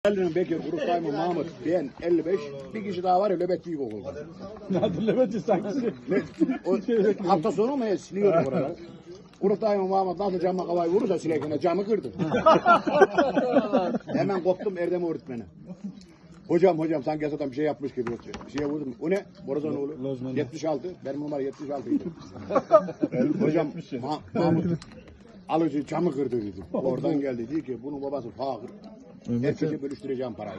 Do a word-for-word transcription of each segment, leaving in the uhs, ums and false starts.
Elinin Bekir, Urukayma, Mahmut, ben elli beş, bir kişi daha var ya Löbet Büyük Okul'da. Nerede Löbet'i sanki? O, hafta sonu mu ya siliyordu buraları. Urukayma, Mahmut nasıl camla kavayı vurursa silekine camı kırdı. Hemen koptum Erdem öğretmeni. Hocam hocam sanki adam bir şey yapmış gibi. Bir şeye vurdum. O ne? Borazanoğlu. yetmiş altı. Benim numara yetmiş altıydı. Hocam Ma Mahmut alıcı camı kırdı dedi. Oradan geldi dedi ki bunun babası fakir. Herkese bölüştüreceğim parayı.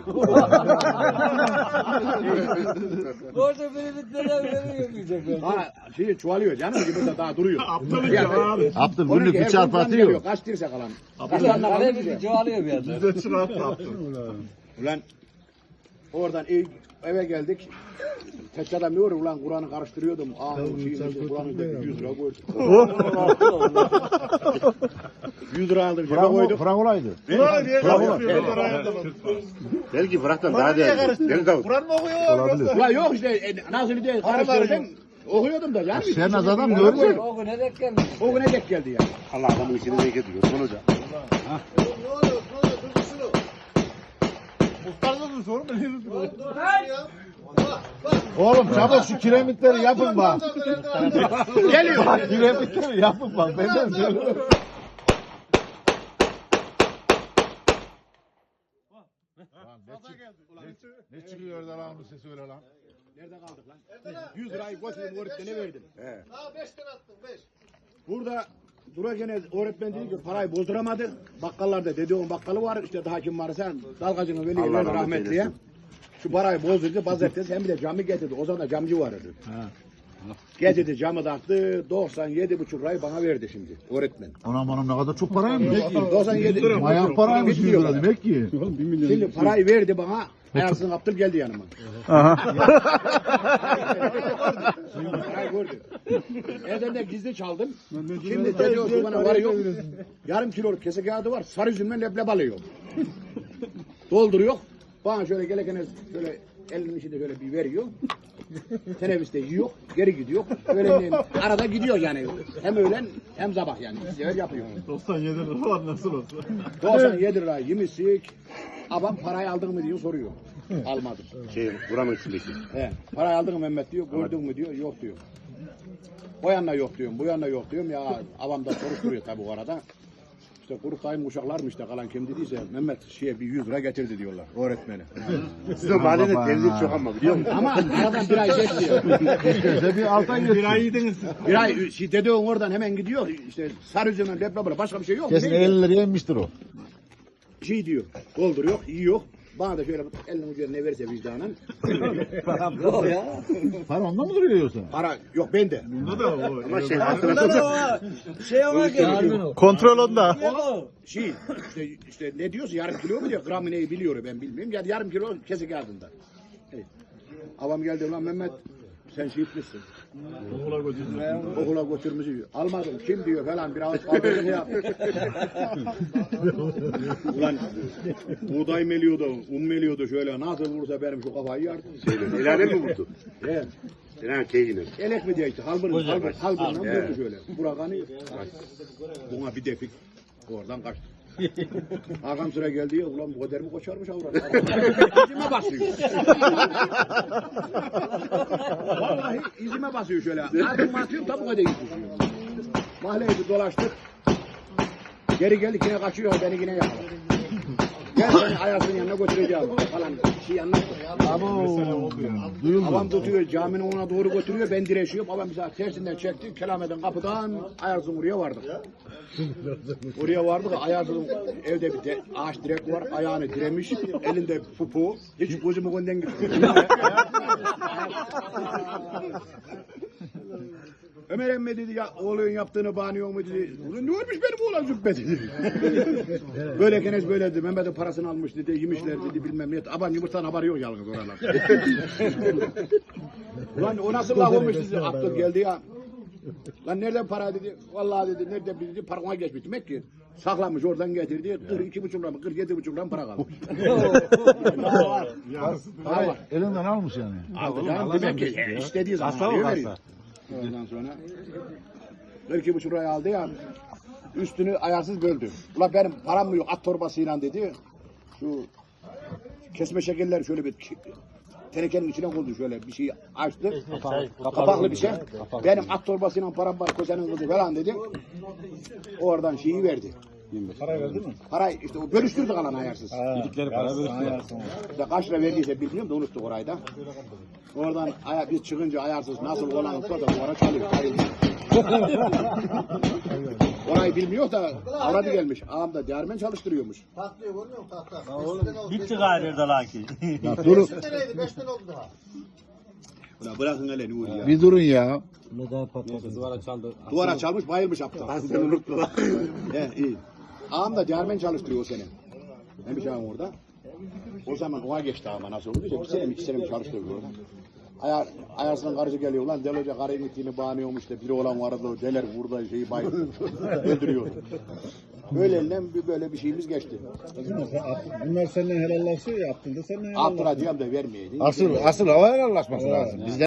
Orada böyle bir neden veriyor Ha şey çuvalıyor canım gibi de daha duruyor. Aptalık ya abi. Abdül günlük bir çarpı atıyor. Kaç dirse kalan. Kale bir çoğalıyor bir anda. Bize çırattı Abdül. Ulan oradan ev, eve geldik. Tek adam diyor ulan Kur'an'ı karıştırıyordum. Aa şeyin Kur'an'ı da yüz lira koydum. yüz lira aldım cebe koydum. Fırak olaydı. Kur'an diye karıştırıyor. Belki Fırak'tan daha değerli. Deli Davut. Kur'an mı okuyor? Olabilir. Ulan yok işte e, nasıl diye karıştırdım. Okuyordum da yani. Şernaz adam görecek. O güne denk gelmiş. O güne denk geldi ya. Allah adamın içine zevk ediyor. Sonuca. Muhtarda da sorun ben henüz Oğlum çabuk şu kiremitleri yapın bak. Geliyor. Bak kiremitleri yapın bak. Benden söylüyorum. Ne çıkıyor orada lan bu sesi öyle lan? Nerede kaldık lan? yüz lirayı götürdüm öğretmene verdim. He. Daha beş tane attım, beş. Burada durarken öğretmen dedi ki parayı bozduramadı. Bakkallarda dedi onun bakkalı var işte daha kim varsa dalgacının veli Allah verdi rahmet rahmetliye. eylesin. Şu parayı bozdurdu pazartesi hem bir de camı getirdi. O zaman da camcı vardı. Getirdi camı taktı doksan yedi buçuk lirayı bana verdi şimdi öğretmen. Anam anam ne kadar çok paraymış. doksan yedi Mayan paraymış yüz lira demek ki. Şimdi parayı verdi bana. Ayarsın Abdül geldi yanıma. Parayı gördü. Evden de gizli çaldım. Şimdi dedi o şu bana var yok. Yarım kiloluk kese kağıdı var. Sarı üzümle leblebi alıyor. Dolduruyor. Bana şöyle gelirken şöyle elinin içinde şöyle bir veriyor. Teneffüste yiyor, geri gidiyor. Böyle arada gidiyor yani. Hem öğlen hem sabah yani. İki sefer yapıyor. doksan yedi lira var nasıl olsa. doksan yedi lira yemişsik. Adam parayı aldın mı diyor soruyor. Almadım. Şey buranın içindeki. He, parayı aldın mı Mehmet diyor, gördün mü diyor, yok diyor. O yanına yok diyorum, bu yanına yok diyorum ya avam da soruşturuyor tabii o arada. İşte kuruk dayım uşaklar mı işte kalan kim dediyse Mehmet şeye bir yüz lira getirdi diyorlar öğretmeni. Sizin mahallede delilik çok ama biliyor musun? Ama aradan bir ay geçti. Size bir alttan Bir ay yediniz. Bir ay şey, dede oradan hemen gidiyor işte sarı üzümün leblebi başka bir şey yok. Kesin Ne? elli liraya inmiştir o. Şey diyor, dolduruyor, yiyor. Bana da şöyle elinin ucuna ne verirse vicdanen. Yok ya. Para ondan mı duruyor yoksa? Para yok bende. Bunda da o. Ama şey Şey ona geliyor. kontrol onda. O şey işte, işte ne diyorsa yarım kilo mu diyor gramı neyi biliyor ben bilmiyorum. Yani yarım kilo kesik kağıdında. Evet. Avam geldi lan Mehmet sen şey etmişsin. Okula götürdüler. Okula götürmüşsün. Almadım kim diyor falan bir ağız kaldırdı ya. Ulan buğday meliyordu, un meliyordu şöyle nasıl vursa benim şu kafayı yardı. İlane mi vurdu? Evet. İlane keyine. Elek mi diye işte halbırın halbır, halbırından vurdu şöyle. Burakanı buna bir defik oradan kaçtı. Hakan sıra geldi ya ulan bu kadar mı koşarmış avrat? İzime basıyor. Vallahi izime basıyor şöyle. Adım atıyorum tabi kadar gidiyor. Mahalleyi bir dolaştık. Geri geldik yine kaçıyor beni yine yakaladı. Gel seni Ayas'ın yanına götüreceğim falan şey anlattı. Duyuldu. Babam tutuyor caminin ona doğru götürüyor ben direşiyorum. Babam bize tersinden çekti. Kelameden kapıdan Ayarsın oraya vardık. Oraya vardık. Ayarsın evde bir de ağaç direk var. Ayağını diremiş. Elinde pupu. Hiç gözümü önden gitmiyor. Ömer emmi dedi ya oğlun yaptığını bağınıyor mu dedi. Ulan ne olmuş benim oğlan züppe dedi. Böyle kenes böyle dedi. Mehmet'in parasını almış dedi. Yemişler dedi bilmem ne. Aban yumurtadan haberi yok yalnız oralar. Ulan o nasıl laf olmuş dedi. Abdül geldi ya. Lan nereden para dedi. Vallahi dedi nereden dedi. Parkına geçmiş. Demek ki saklamış oradan getirdi. kırk iki buçuk lira mı kırk yedi buçuk lira para kalmış. Daha var. Daha var. Elinden almış yani. Aldı canım demek ki istediği zaman veriyor. Ondan sonra kırk iki buçuk liraya aldı ya üstünü ayarsız böldü. Ulan benim param mı yok at torbasıyla dedi. Şu Kesme şekerleri şöyle bir tenekenin içine koydu şöyle bir şey açtı. Kapaklı bir şey. Benim at torbasıyla param var kocanın kızı falan dedim. Oradan şeyi verdi. Para verdi mi? Parayı işte o bölüştürdük alan ayarsız. Yedikleri para bölüştüler. İşte kaç lira verdiyse bilmiyorum da unuttuk orayı da. Oradan aya, biz çıkınca ayarsız nasıl olan olsa da oraya çalıyor. Orayı bilmiyor da aradı gelmiş. Ağam da değermen çalıştırıyormuş. Tatlıyor görmüyor musun tahta? Bitti gayrı da laki. Ya durun. beş seneydi, beş sene oldu daha. Ulan bırakın hele Nuri ya. Bir durun ya. Duvara çalmış bayılmış aptal. Ben seni unuttum. He iyi. Ağam da değermen çalıştırıyor o sene. Neymiş ağam orada? O zaman ona geçti ama nasıl oldu? İşte bir sene mi iki sene mi çalıştırıyor orada. Ayar, ayarsının karısı geliyor lan Del Hoca karı gittiğini bağınıyormuş da biri olan vardı o deler burada şeyi bay öldürüyordu. Böyle elinden bir böyle bir şeyimiz geçti. Bunlar seninle helallaşıyor ya, Abdül de seninle helallaşıyor. Abdurrahman da vermeyeydi. Asıl asıl hava helallaşması lazım. Bizde